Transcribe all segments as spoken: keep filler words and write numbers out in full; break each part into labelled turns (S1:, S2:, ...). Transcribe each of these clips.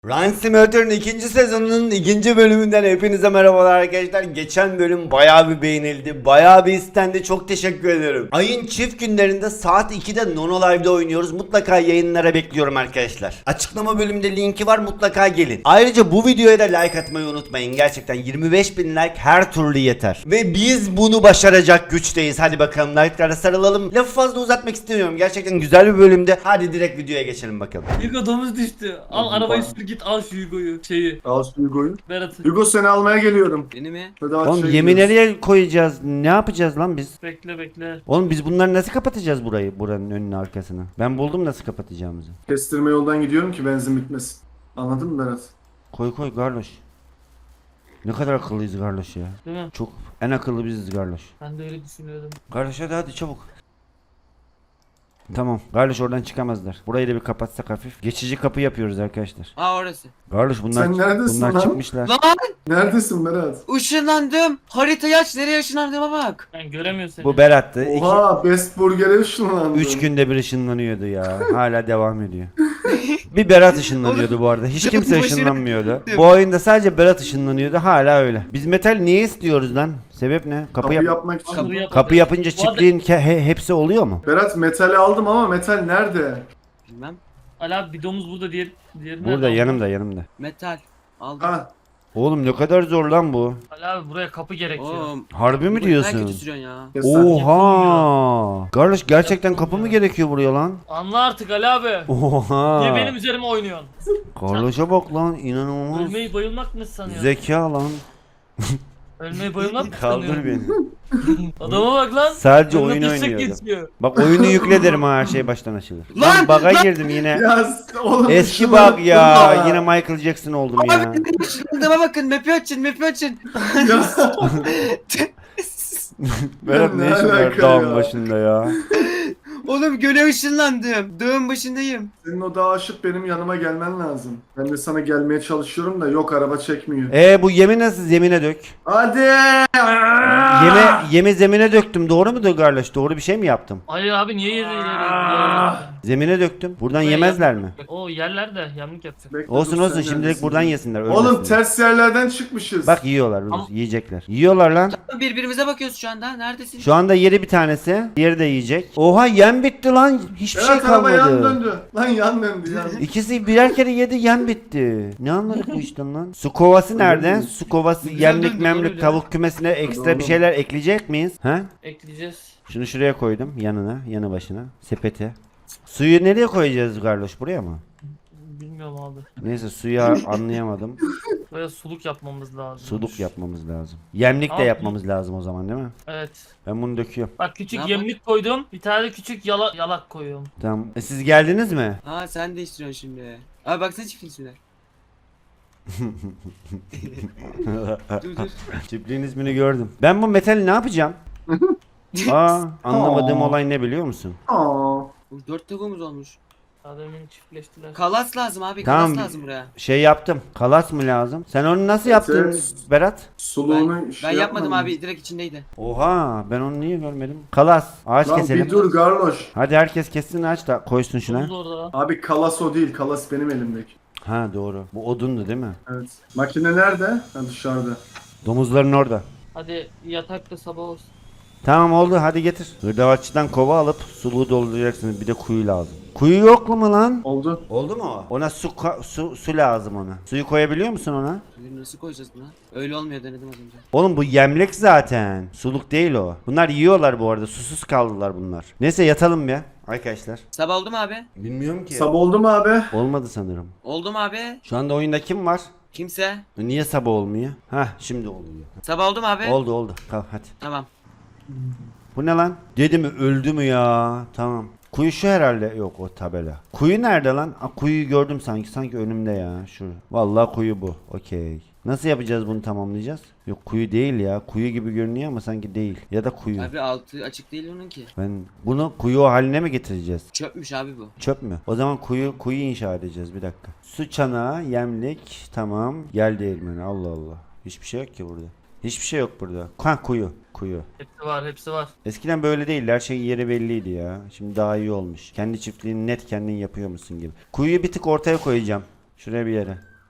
S1: Run Simulator'ın ikinci sezonunun ikinci bölümünden hepinize merhabalar arkadaşlar. Geçen bölüm bayağı bir beğenildi. Bayağı bir istendi. Çok teşekkür ederim. Ayın çift günlerinde saat ikide Nono Live'de oynuyoruz. Mutlaka yayınlara bekliyorum arkadaşlar. Açıklama bölümünde linki var. Mutlaka gelin. Ayrıca bu videoya da like atmayı unutmayın. Gerçekten yirmi beş bin like her türlü yeter. Ve biz bunu başaracak güçteyiz. Hadi bakalım like'lara sarılalım. Lafı fazla uzatmak istemiyorum. Gerçekten güzel bir bölümde. Hadi direkt videoya geçelim bakalım.
S2: Hugo domuz düştü. Al arabayı sür git al şu Hugo'yu şeyi.
S3: Al şu Hugo'yu.
S2: Berat'ı.
S3: Hugo seni almaya geliyorum.
S4: Beni mi?
S3: Hadi aç
S1: Oğlum
S3: şey
S1: yemi
S3: gidiyoruz.
S1: nereye koyacağız? Ne yapacağız lan biz?
S2: Bekle bekle.
S1: Oğlum biz bunları nasıl kapatacağız burayı? Buranın önünü arkasını. Ben buldum nasıl kapatacağımızı.
S3: Kestirme yoldan gidiyorum ki benzin bitmesin. Anladın mı Berat?
S1: Koy koy Garloş. Ne kadar akıllıyız Garloş ya.
S2: Değil mi?
S1: Çok en akıllı biziz Garloş.
S2: Ben de öyle düşünüyordum.
S1: Garloş hadi hadi çabuk. Tamam. Garloş oradan çıkamazlar. Burayı da bir kapatsak hafif. Geçici kapı yapıyoruz arkadaşlar.
S4: Aa orası.
S1: Garloş bunlar
S3: Sen neredesin
S1: bunlar
S3: lan?
S1: çıkmışlar.
S4: Lan
S3: Neredesin Berat?
S4: ışınlandım. Haritayı aç, nereye ışınlandığıma bak.
S2: Ben göremiyorum seni.
S1: Bu Berat'tı. İki,
S3: Oha Best Burger'e ışınlandım.
S1: üç günde bir ışınlanıyordu ya. Hala devam ediyor. Bir Berat ışınlanıyordu bu arada. Hiç kimse
S4: Başına-
S1: ışınlanmıyordu. Bu oyunda sadece Berat ışınlanıyordu. Hala öyle. Biz metal niye istiyoruz lan? Sebep ne? Kapı,
S3: Kapı
S1: yap-
S3: yapmak için.
S2: Kapı yap-
S1: kapı yapınca
S2: Bu arada-
S1: çiftliğin ke- he- hepsi oluyor mu?
S3: Berat metali aldım ama metal nerede?
S4: Bilmem.
S2: Ali abi bir domuz burada diğer diğeri nerede?
S1: Burada yanımda yanımda.
S4: Metal. Aldım.
S3: Ha.
S1: Oğlum ne kadar zor lan bu.
S2: Ali abi buraya kapı gerekiyor.
S4: Oğlum.
S1: Harbi mi
S4: Ne
S1: diyorsun?
S4: kötü sürüyorsun ya.
S3: Kes lan.
S1: Oha. Kardeş gerçekten kapı mı gerekiyor buraya lan?
S2: Anla artık Ali abi.
S1: Oha.
S2: Niye benim üzerime oynuyorsun?
S1: Kardeşe bak lan inanılmaz.
S2: Ölmeyi bayılmak mı sanıyorsun?
S1: Zeka lan.
S2: Ölmeyi bayılmak mı
S1: Kaldır
S2: sanıyorsun?
S1: beni.
S2: Adama bak lan.
S1: Sadece
S2: Yanına
S1: oyun
S2: düşsek
S1: oynuyordu.
S2: geçiyor.
S1: Bak oyunu yükle derim ha her şey baştan açılır.
S4: Lan,
S1: Lan baga
S4: lan.
S1: girdim yine.
S3: Ya s- oğlum
S1: Eski
S3: ışınlandım
S1: bug ya.
S3: da.
S1: Yine Michael Jackson oldum ya.
S4: Abi ışınlandığıma bakın. Map'i açın, map'i açın.
S3: Ya,
S1: Berat ne
S3: Ne
S1: işin var
S3: alaka
S1: dağın
S3: ya?
S1: başında ya?
S4: Oğlum göle ışınlandım. Dağın başındayım.
S3: senin o dağa aşıp benim yanıma gelmen lazım. Ben de sana gelmeye çalışıyorum da yok araba çekmiyor.
S1: E bu yemi nasıl zemine dök?
S3: Hadi.
S1: Yeme yemi zemine döktüm. Doğru mu kardeş? Doğru bir şey mi yaptım?
S2: Ali abi niye yeri
S3: Ah.
S2: ileri?
S1: Zemine döktüm. Buradan
S2: Buraya
S1: yemezler
S2: yap-
S1: mi?
S2: O yerler de yamlık yapacak.
S3: Bekle,
S1: Olsun
S3: dur,
S1: olsun
S3: sen
S1: şimdilik
S3: neredesin?
S1: buradan yesinler.
S3: Oğlum
S1: ölmesinler.
S3: ters yerlerden çıkmışız.
S1: Bak yiyorlar.
S2: Ama-
S1: Yiyecekler. Yiyorlar lan.
S4: Birbirimize bakıyoruz şu anda. Neredesin?
S1: Şu anda yeri bir tanesi. Diğeri de yiyecek. Oha yem bitti lan. Hiçbir şey
S3: Evet araba yan
S1: kalmadı.
S3: döndü. Lan yan döndü yan.
S1: İkisi birer kere yedi yem bitti. Ne anladık bu işten lan? Su kovası nerede? Su kovası,
S4: Güzel
S1: yemlik
S4: döndü,
S1: memlik,
S2: doğru
S1: tavuk kümesine ekstra bir şeyler ekleyecek miyiz? Ha?
S2: Ekleyeceğiz.
S1: Şunu şuraya koydum yanına, yanı başına. Sepete. Suyu nereye koyacağız Garloş? Buraya mı?
S2: Bilmiyorum abi.
S1: Neyse suyu anlayamadım.
S2: Buraya suluk yapmamız lazım.
S1: Suluk yapmamız lazım. Yemlik de
S2: Abi.
S1: yapmamız lazım o zaman değil mi?
S2: Evet.
S1: Ben bunu döküyorum.
S2: Bak küçük
S4: Ne
S2: yemlik koydum. Bir tane de küçük yala, yalak koyuyorum.
S1: Tamam. E, siz geldiniz mi?
S4: Ha sen değiştiriyorsun şimdi. Abi baksana çiftlik üstüne. Dur dur.
S1: Çiftliğin ismini gördüm. Ben bu metali ne yapacağım? Aa, anlamadığım
S3: Aa.
S1: olay ne biliyor musun?
S3: Aa.
S4: Bu dört tavuğumuz olmuş.
S2: Adamın çiftleştiler.
S4: Kalas lazım abi.
S1: Tamam.
S4: Kalas lazım buraya.
S1: Şey yaptım. Kalas mı lazım? Sen onu nasıl yaptın
S3: Evet.
S1: Berat?
S3: Suluğunu
S4: Ben,
S3: şey
S4: ben yapmadım
S3: yapmadın.
S4: abi. Direkt içindeydi.
S1: Oha, ben onu niye görmedim? Kalas. Ağaç
S3: Lan
S1: keselim.
S3: bir dur Garloş.
S1: Hadi herkes kessin ağaç da koysun şuna.
S2: Domuz orada.
S3: Abi kalas o değil. Kalas benim elimdeki.
S1: Ha doğru. Bu odundu değil mi?
S3: Evet. Makine nerede? Ha dışarıda.
S1: Domuzların orada.
S2: Hadi yatak da sabah olsun.
S1: Tamam oldu hadi getir. Hırdavatçıdan kova alıp suluğu dolduracaksınız. Bir de kuyu lazım. Kuyu yok mu lan?
S3: Oldu.
S1: Oldu mu o? Ona su, ka- su, su lazım ona. Suyu koyabiliyor musun ona?
S4: Şimdi nasıl koyacağız buna? Öyle olmuyor denedim az önce.
S1: Oğlum bu yemlik zaten. Suluk değil o. Bunlar yiyorlar bu arada. Susuz kaldılar bunlar. Neyse yatalım ya arkadaşlar.
S4: Sabah oldu mu abi?
S1: Bilmiyorum ki.
S3: Sabah oldu mu abi?
S1: Olmadı sanırım.
S4: Oldu mu abi?
S1: Şu anda oyunda kim var?
S4: Kimse?
S1: Niye sabah olmuyor? Hah şimdi oluyor.
S4: Sabah oldu mu abi?
S1: Oldu oldu. Kalk hadi.
S4: Tamam.
S1: Bu ne lan? Dedi mi öldü mü ya? Tamam. Kuyu şu herhalde. Yok o tabela. Kuyu nerede lan? Aa, kuyuyu gördüm sanki. Sanki önümde ya. Şu. Vallahi kuyu bu. Okey. Nasıl yapacağız bunu tamamlayacağız? Yok kuyu değil ya. Kuyu gibi görünüyor ama sanki değil. Ya da kuyu.
S4: Abi altı açık değil onun ki.
S1: Ben bunu kuyu haline mi getireceğiz?
S4: Çöpmüş abi bu.
S1: Çöp mü? O zaman kuyu kuyu inşa edeceğiz bir dakika. Su çanağı, yemlik, tamam. Yel değirmeni. Allah Allah. Hiçbir şey yok ki burada. Hiçbir şey yok burada. Ha kuyu. Kuyu.
S2: Hepsi var hepsi var.
S1: Eskiden böyle değildi. Her şey yeri belliydi ya. Şimdi daha iyi olmuş. Kendi çiftliğini net kendin yapıyor musun gibi. Kuyuyu bir tık ortaya koyacağım. Şuraya bir yere.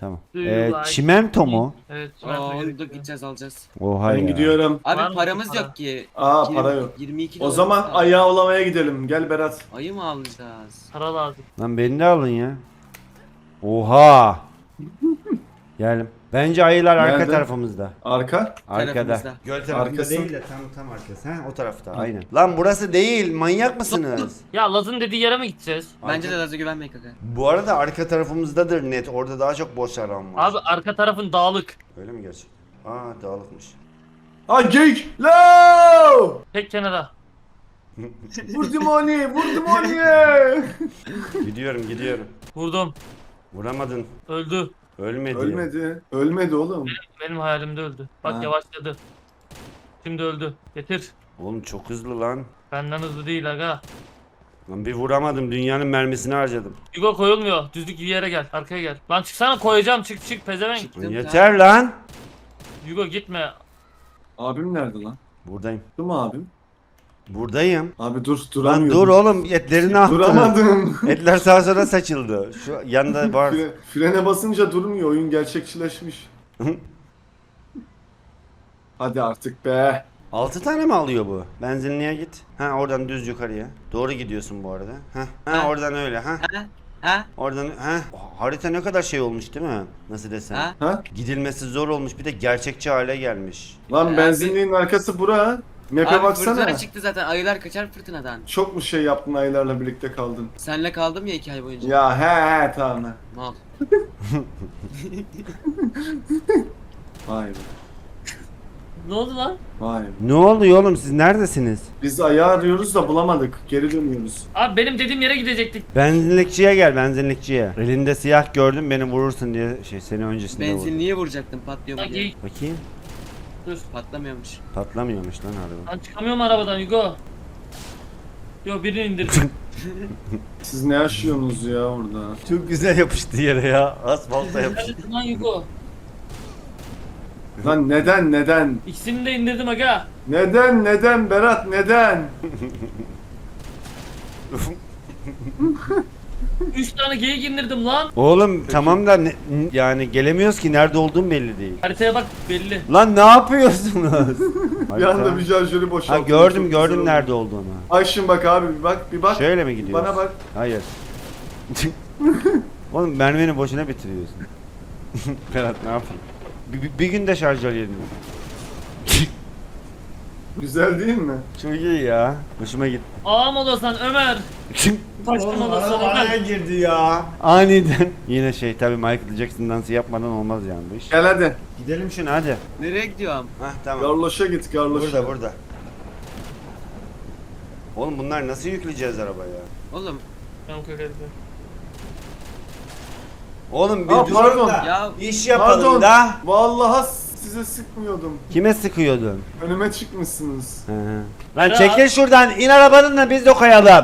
S1: Tamam.
S2: Do you
S1: Ee,
S2: like-
S1: çimento mu?
S2: Evet.
S4: Aa,
S2: ben
S4: onu da
S2: gerekiyor.
S4: gideceğiz alacağız.
S1: Oha
S3: Ben
S1: ya.
S3: gidiyorum.
S2: Var
S4: Abi
S2: mı
S4: paramız
S2: para?
S4: yok ki.
S3: Aa
S4: yirmi
S3: para yok.
S4: yirmi iki
S3: O
S4: dolarımız
S3: zaman
S4: kaldı.
S3: ayı avlamaya gidelim. Gel Berat.
S4: Ayı mı alacağız?
S2: Para lazım.
S1: Lan beni de alın ya. Oha. Geldim. Bence ayılar arka
S3: Nerede?
S1: tarafımızda.
S3: Arka.
S1: Arkada.
S4: Tarafımızda.
S1: Göl tarafında
S3: Arkası.
S1: değil de tam tam arkası. Ha o tarafta aynen. Lan burası değil. Manyak mısınız?
S2: Ya Laz'ın dediği yere mi gideceğiz?
S4: Bence
S1: Arka-
S4: de Laz'a güvenmeyin kanka.
S1: Bu arada arka tarafımızdadır net. Orada daha çok boş alan var.
S2: Abi arka tarafın dağlık.
S1: Öyle mi gerçekten? Aa dağılıkmış.
S3: Ha geyik. Lo!
S2: Tek kenara.
S3: Vurdum onu. Vurdum onu.
S1: Gidiyorum gidiyorum.
S2: Vurdum.
S1: Vuramadın.
S2: Öldü.
S1: Ölmedi.
S3: Ölmedi. Ölmedi oğlum.
S2: Benim hayalimde öldü. Bak
S3: Ha.
S2: yavaşladı. Şimdi öldü. Getir.
S1: Oğlum çok hızlı lan.
S2: Benden hızlı değil aga.
S1: Lan bir vuramadım. Dünyanın mermisini harcadım.
S2: Hugo koyulmuyor. Düzlük bir yere gel. Arkaya gel. Lan çıksana koyacağım. Çık çık pezevenk.
S1: Lan
S4: Çıktım
S1: yeter lan.
S2: Hugo gitme.
S3: Abim nerede lan?
S1: Buradayım.
S3: Dur mu abim?
S1: Buradayım.
S3: Abi dur
S1: Lan
S3: duramıyorum.
S1: dur oğlum etlerini attın.
S3: Duramadım.
S1: Etler sağa sola saçıldı. Şu yanında var.
S3: Fre- frene basınca durmuyor. Oyun gerçekçileşmiş. Hadi artık be.
S1: Altı tane mi alıyor bu? Benzinliğe git. Ha oradan düz yukarıya. Doğru gidiyorsun bu arada. Ha, ha
S4: Ha.
S1: oradan öyle ha.
S4: Ha? Ha?
S1: Oradan ha. Harita ne kadar şey olmuş değil mi? Nasıl desem?
S4: Ha?
S3: Ha?
S1: Gidilmesi zor olmuş. Bir de gerçekçi hale gelmiş.
S3: Lan
S4: Abi-
S3: benzinliğin arkası bura. Map'e
S4: Abi
S3: baksana.
S4: fırtına çıktı zaten. Ayılar kaçar fırtınadan.
S3: Çok mu şey yaptın ayılarla birlikte kaldın?
S4: Senle kaldım ya iki ay boyunca.
S3: Ya he he tamam. he.
S4: Mal.
S3: Vay be.
S2: Ne oldu lan?
S3: Vay be.
S1: Ne oluyor oğlum siz neredesiniz?
S3: Biz ayı arıyoruz da bulamadık. Geri dönüyoruz.
S2: Abi benim dediğim yere gidecektik.
S1: Benzinlikçiye gel benzinlikçiye. Elinde siyah gördüm beni vurursun diye şey seni öncesinde vurdum.
S4: Benzinliğe vuracaktım patlıyor mu
S2: Lan
S4: diye.
S2: geyik.
S1: Bakayım.
S2: Dur.
S4: Patlamıyormuş.
S1: Patlamıyormuş lan araba.
S2: Lan çıkamıyorum arabadan Hugo. Yo birini indirdim.
S3: Siz ne yaşıyorsunuz ya orada?
S1: Çok güzel yapıştı yere ya. Asfalta yapıştı.
S2: Neredesin lan Hugo?
S3: Lan neden neden?
S2: İkisini de indirdim aga.
S3: Neden neden Berat neden?
S2: Üç tane geyik indirdim lan.
S1: Oğlum tamam da ne- yani gelemiyoruz ki nerede olduğum belli değil.
S2: Haritaya bak belli.
S1: Lan ne yapıyorsunuz?
S3: Bir anda bir şarjörü boşalttım.
S1: Ha gördüm
S3: Çok
S1: gördüm
S3: güzel
S1: nerede
S3: oldu.
S1: olduğunu.
S3: Ay şimdi bak abi bir bak bir bak.
S1: Şöyle mi gidiyoruz?
S3: Bana bak.
S1: Hayır. Oğlum mermini boşuna bitiriyorsun. Ferhat ne yapayım? Bir, bir, bir günde şarj alayım.
S3: Güzel değil mi?
S1: Çok iyi ya. Hoşuma gitti.
S2: Ağam olasın Ömer. Taşkın olasın Ömer.
S1: girdi ya. Aniden. Yine şey tabi Michael Jackson dansı yapmadan olmaz yani bu iş.
S3: Gel hadi.
S1: Gidelim şuna hadi.
S4: Nereye gidiyorum?
S1: Hah tamam.
S3: Garloş'a git garloş'a.
S1: Burada burada. Oğlum bunlar nasıl yükleyeceğiz arabaya?
S4: Oğlum
S2: Ben kokarım.
S1: Oğlum bir
S3: Aa,
S1: durun
S3: pardon.
S1: da
S4: ya
S1: iş yapalım
S3: Pardon.
S1: da.
S3: Vallahi size sıkmıyordum.
S1: Kime sıkıyordun?
S3: Önüme çıkmışsınız.
S1: Hı hı. Lan
S2: Ya.
S1: çekil şuradan in arabanın da biz de koyalım.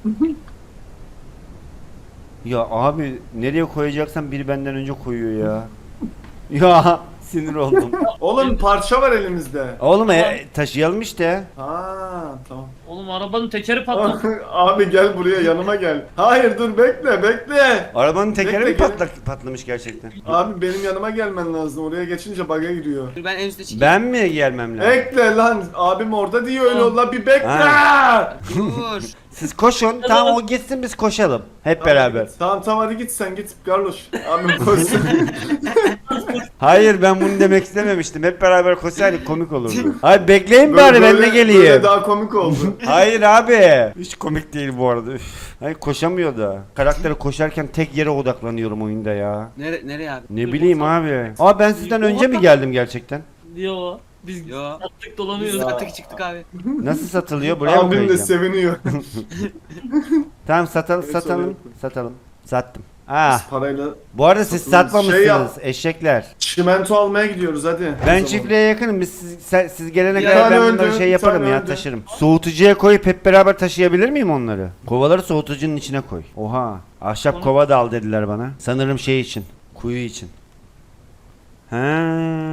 S1: Ya abi nereye koyacaksan biri benden önce koyuyor ya. Ya sinir oldum.
S3: Oğlum parça var elimizde.
S1: Oğlum e, taşıyalım işte.
S3: Ha tamam.
S2: Oğlum arabanın tekeri patladı.
S3: Abi gel buraya yanıma gel. Hayır dur bekle bekle.
S1: Arabanın tekeri
S3: Bekle,
S1: mi
S3: gel.
S1: patla, patlamış gerçekten?
S3: Abi benim yanıma gelmen lazım. Oraya geçince bug'a giriyor.
S4: dur ben en üstte çıkayım.
S1: Ben mi gelmem lazım?
S3: Bekle lan. Abim orada diyor öyle ol lan bir bekle.
S1: Ha.
S4: Dur.
S1: Siz koşun tamam o gitsin biz koşalım. Hep beraber.
S3: Tamam tamam hadi git sen git Carlos. Abim koşsun.
S1: Hayır ben bunu demek istememiştim. Hep beraber koşsaydık komik olurdu. Hayır bekleyin
S3: Böyle-
S1: bari ben de
S3: böyle-
S1: geleyim.
S3: Böyle daha komik oldu.
S1: Hayır abi. Hiç komik değil bu arada. Üf. Hayır koşamıyor da. Karakteri koşarken tek yere odaklanıyorum oyunda ya.
S4: Nere nereye abi?
S1: Ne bileyim abi. Aa ben sizden önce mi geldim gerçekten?
S2: Yo. Biz
S4: Yo.
S2: attık dolanıyoruz.
S3: Ya.
S4: Attık çıktık abi.
S1: Nasıl satılıyor? Buraya mı
S3: Abim de
S1: koyacağım?
S3: seviniyor.
S1: Tamam satalım
S3: Evet,
S1: satalım.
S3: söyle.
S1: Satalım. Sattım. Ah.
S3: Parayla
S1: Bu arada siz
S3: Satılmış.
S1: satmamışsınız
S3: Şey yap.
S1: eşekler.
S3: çimento almaya gidiyoruz hadi. O
S1: Ben
S3: zaman.
S1: çiftliğe yakınım. Biz siz, sen- siz gelene
S4: Ya,
S1: kadar ben
S3: ben
S1: bunları
S3: öldüm,
S1: şey yaparım
S3: sen
S1: ya
S3: öldün.
S1: taşırım. Soğutucuya koyup hep beraber taşıyabilir miyim onları? Kovaları soğutucunun içine koy. Oha. Ahşap
S2: Onu-
S1: kova da al dediler bana. Sanırım şey için. Kuyu için. Ha.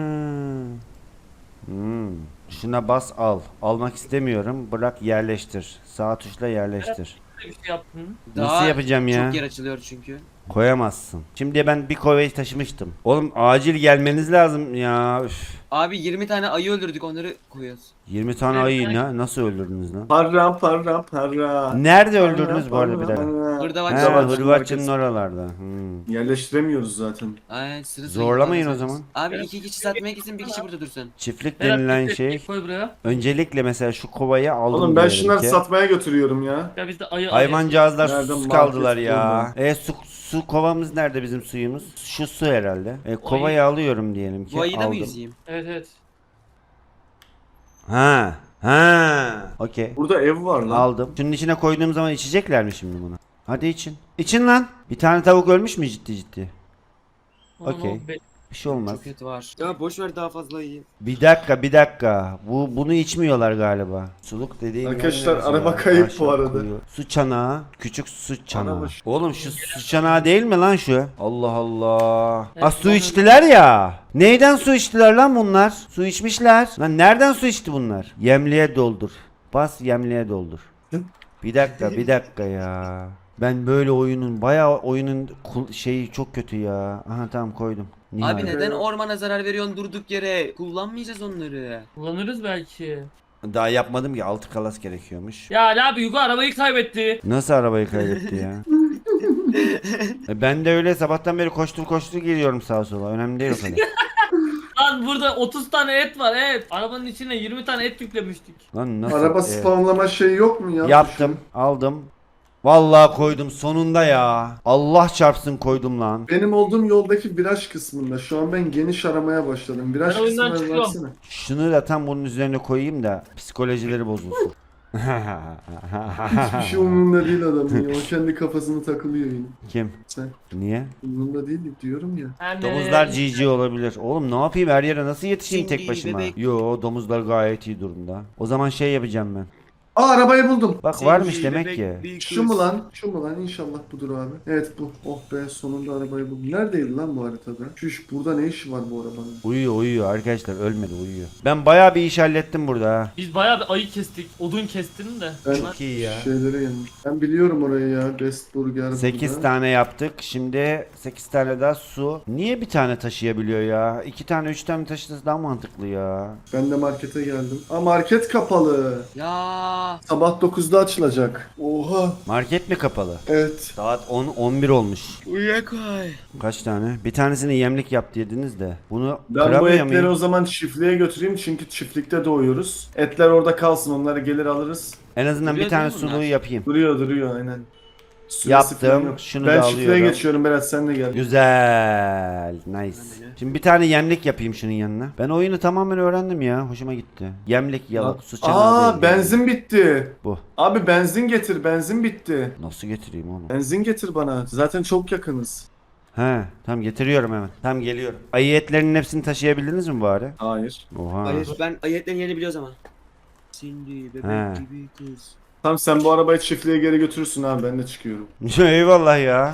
S1: Hmm. Şuna bas al. Almak istemiyorum. Bırak yerleştir. Sağ tuşla yerleştir.
S2: Bir şey yaptın.
S1: Nasıl yapacağım ya?
S4: Çok yer açılıyor çünkü.
S1: Koyamazsın. Şimdi ben bir kovayı taşımıştım. Oğlum acil gelmeniz lazım ya. Üf.
S4: Abi yirmi tane ayı öldürdük onları koyuyoruz.
S1: yirmi tane ayıyı ne? Nasıl öldürdünüz lan?
S3: Para para para.
S1: Nerede
S3: Para,
S1: öldürdünüz bu arada bir
S3: para,
S1: dakika?
S3: para.
S4: Burada bak.
S1: He,
S3: Hırdavatçı'nın
S1: Hırvatçı'nın
S3: arkası.
S1: oralarda. Hmm.
S3: Yerleştiremiyoruz zaten.
S4: Aynen sıra sıra
S1: Zorlamayın
S4: gidiyoruz.
S1: o zaman.
S4: Abi iki kişi satmaya gitsin bir kişi burada dursun.
S1: Çiftlik
S2: Berat,
S1: denilen
S2: tek-
S1: şey.
S2: tek Koy buraya.
S1: Öncelikle mesela şu kovayı aldım
S3: Oğlum ben
S1: diyelim
S3: şunları
S1: ki.
S3: satmaya götürüyorum ya.
S2: Ya biz de ayı
S1: Hayvancağızlar
S3: Nereden
S1: susuz
S3: market
S1: kaldılar ya.
S3: buldun?
S1: E su, su kovamız nerede bizim suyumuz? Şu su herhalde. E, kovayı alıyorum diyelim ki.
S4: Bu ayıyı da mı
S1: aldım.
S4: yüzeyim?
S2: Evet evet.
S1: Ha. Ha. Okey.
S3: Burada ev var lan.
S1: Aldım. Şunun içine koyduğum zaman içecekler mi şimdi bunu? Hadi için. İçin lan. Bir tane tavuk ölmüş mü ciddi ciddi?
S2: Aman
S1: Okey.
S2: oğlum, be-
S1: Bir şey olmaz.
S4: Çok kötü var. Ya boş ver daha fazla yiyeyim.
S1: Bir dakika bir dakika. Bu bunu içmiyorlar galiba. Suluk dediğim
S3: Arkadaşlar,
S1: yer
S3: araba
S1: ya.
S3: kayıp
S1: Aşağı
S3: bu arada.
S1: koyuyor. Su çanağı. Küçük su çanağı.
S3: Araba-
S1: Oğlum şu su çanağı değil mi lan şu? Allah Allah.
S2: Evet,
S1: Ha su
S2: bana-
S1: içtiler ya. Neyden su içtiler lan bunlar? Su içmişler. Lan nereden su içti bunlar? Yemliğe doldur. Bas yemliğe doldur. Bir dakika bir dakika ya. Ben böyle oyunun bayağı oyunun kul- şeyi çok kötü ya. Aha tamam koydum. Nihayet.
S4: Abi neden ormana zarar veriyorsun durduk yere? Kullanmayacağız onları.
S2: Kullanırız belki.
S1: Daha yapmadım ki altı kalas gerekiyormuş.
S2: Ya Ali abi Yugo arabayı kaybetti.
S1: Nasıl arabayı kaybetti ya? E ben de öyle sabahtan beri koştur koştur geliyorum sağa sola. Önemli değil o kadar.
S2: Lan burada otuz tane et var et. Arabanın içine yirmi tane et yüklemiştik.
S1: Lan nasıl?
S3: Araba
S1: e,
S3: spamlama şeyi yok mu ya?
S1: yaptım, aldım. Vallahi koydum sonunda ya. Allah çarpsın koydum lan.
S3: Benim olduğum yoldaki viraj kısmında. Şu an ben geniş aramaya başladım. Viraj
S2: Ben oyundan
S3: kısmına
S2: çıkıyorum.
S3: baksana.
S1: Şunu da tam bunun üzerine koyayım da psikolojileri bozulsun.
S3: Hiçbir şey umurunda değil adamın ya. O kendi kafasını takılıyor yine.
S1: Kim?
S3: Sen
S1: Niye?
S3: umurunda değil diyorum ya.
S2: Hem de-
S1: Domuzlar G G olabilir. Oğlum ne yapayım her yere nasıl yetişeyim tek
S4: Cindy
S1: başıma?
S4: bebek.
S1: Yo domuzlar gayet iyi durumda. O zaman şey yapacağım ben.
S3: Aa arabayı buldum.
S1: Bak varmış demek ki.
S3: Şu mu lan? Şu mu lan? İnşallah budur abi. Evet bu. Oh be sonunda arabayı buldum. Neredeydi lan bu haritada? Şu iş burada ne işi var bu arabanın?
S1: Uyuyor uyuyor arkadaşlar ölmedi uyuyor. Ben bayağı bir iş hallettim burada ha.
S2: Biz bayağı bir ayı kestik. Odun kestin de.
S3: Ben
S1: Çok iyi ya.
S3: şeylere yanım. Ben biliyorum orayı ya. Best Burger
S1: sekiz
S3: burada.
S1: tane yaptık. Şimdi sekiz tane daha su. Niye bir tane taşıyabiliyor ya? iki tane üç tane taşıması daha mantıklı ya.
S3: Ben de markete geldim. Aa market kapalı.
S4: Ya
S3: Sabah dokuzda açılacak. Oha.
S1: Market mi kapalı?
S3: Evet.
S1: Saat on on bir olmuş.
S4: uyuyakoy.
S1: Kaç tane? Bir tanesini yemlik yap dediniz de. Bunu
S3: Ben bu
S1: kıramıyor
S3: etleri
S1: muyum?
S3: o zaman çiftliğe götüreyim çünkü çiftlikte doğuyoruz. Etler orada kalsın, onları gelir alırız.
S1: En azından bir
S4: Duruyor
S1: tane
S4: değil mi bunlar?
S1: suluğu yapayım.
S3: Duruyor duruyor aynen. Süresi
S1: Yaptım,
S3: falan yok.
S1: şunu
S3: ben
S1: da
S3: çiftliğe
S1: alıyorum.
S3: geçiyorum Berat, sen de gel.
S1: Güzel. Nice. Şimdi bir tane yemlik yapayım şunun yanına. Ben oyunu tamamen öğrendim ya. Hoşuma gitti. Yemlik, yalık, su çanağı
S3: Aa
S1: değil.
S3: benzin bitti.
S1: Bu.
S3: Abi benzin getir, benzin bitti.
S1: Nasıl getireyim oğlum?
S3: Benzin getir bana. Zaten çok yakınız.
S1: He, tamam getiriyorum hemen. Tamam geliyorum. Ayı etlerinin hepsini taşıyabildiniz mi bari?
S3: Hayır.
S1: Oha.
S4: Hayır ben ayetlerin yerini biliyoruz ama. Cindy bebek
S1: He.
S4: gibi kız.
S3: Tamam sen bu arabayı çiftliğe geri götürürsün abi, ben de çıkıyorum.
S1: Eyvallah ya.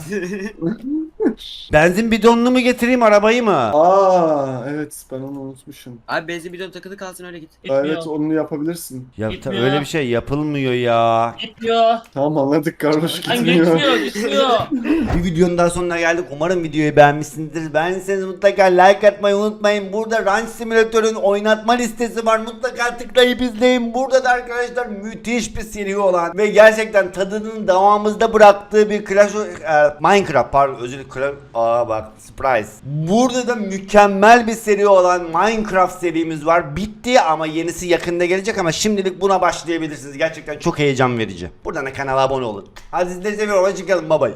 S1: Benzin bidonunu mu getireyim arabayı mı?
S3: Aa evet, ben onu unutmuşum.
S4: Abi benzin bidonu takılı kalsın öyle git.
S2: Gitmiyor.
S3: Evet onu yapabilirsin.
S1: Ya ta-
S2: Gitmiyor.
S1: öyle bir şey yapılmıyor ya.
S2: Gitmiyor.
S3: Tamam anladık kardeş,
S2: Lan
S3: gitmiyor.
S2: gitmiyor gitmiyor.
S1: Bir videonun daha sonuna geldik. Umarım videoyu beğenmişsinizdir. Beğendiyseniz mutlaka like atmayı unutmayın. Burada Ranch Simulator'ın oynatma listesi var. Mutlaka tıklayıp izleyin. Burada da arkadaşlar müthiş bir seri olan ve gerçekten tadının devamımızda bıraktığı bir Clash of, e, Minecraft pardon özür dilerim. Clash- Aa bak surprise. Burada da mükemmel bir seri olan Minecraft serimiz var. Bitti ama yenisi yakında gelecek ama şimdilik buna başlayabilirsiniz. Gerçekten çok heyecan verici. Buradan da kanala abone olun. Hadi sizleri seviyorum. Hoşçakalın. Bye bye.